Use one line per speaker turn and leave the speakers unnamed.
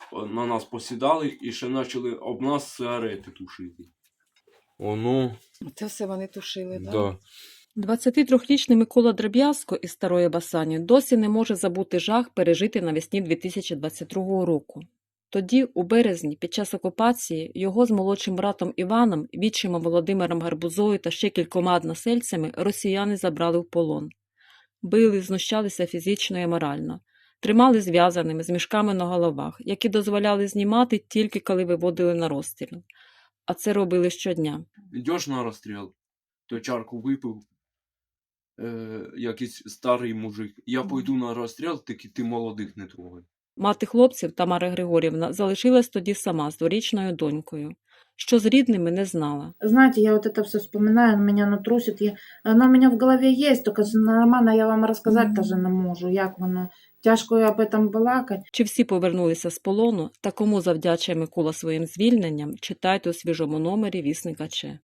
на нас посідали і ще почали об нас сигарети тушити. Воно,
Це все вони тушили, так?
да.
23-річний Микола Дроб'язко із Старої Басані досі не може забути жах, пережитий навесні 2022 року. Тоді, у березні, під час окупації, його з молодшим братом Іваном, відчимом Володимиром Гарбузою та ще кількома односельцями росіяни забрали в полон. Били, знущалися фізично і морально. Тримали зв'язаними, з мішками на головах, які дозволяли знімати тільки коли виводили на розстріл. А це робили щодня.
Йдеш на розстріл, то чарку випив, якийсь старий мужик. Я пойду на розстріл, тільки ти молодих не трогай.
Мати хлопців, Тамара Григорівна, залишилась тоді сама з дворічною донькою. Що з рідними, не знала.
Знаете, я вот это все вспоминаю, меня оно трусит. Оно у меня в голове есть, только нормально я вам рассказать даже не можу, як воно. Тяжко об этом балакать.
Чи всі повернулися з полону та кому завдячує Микола своїм звільненням, читайте у свіжому номері «Вісника Че».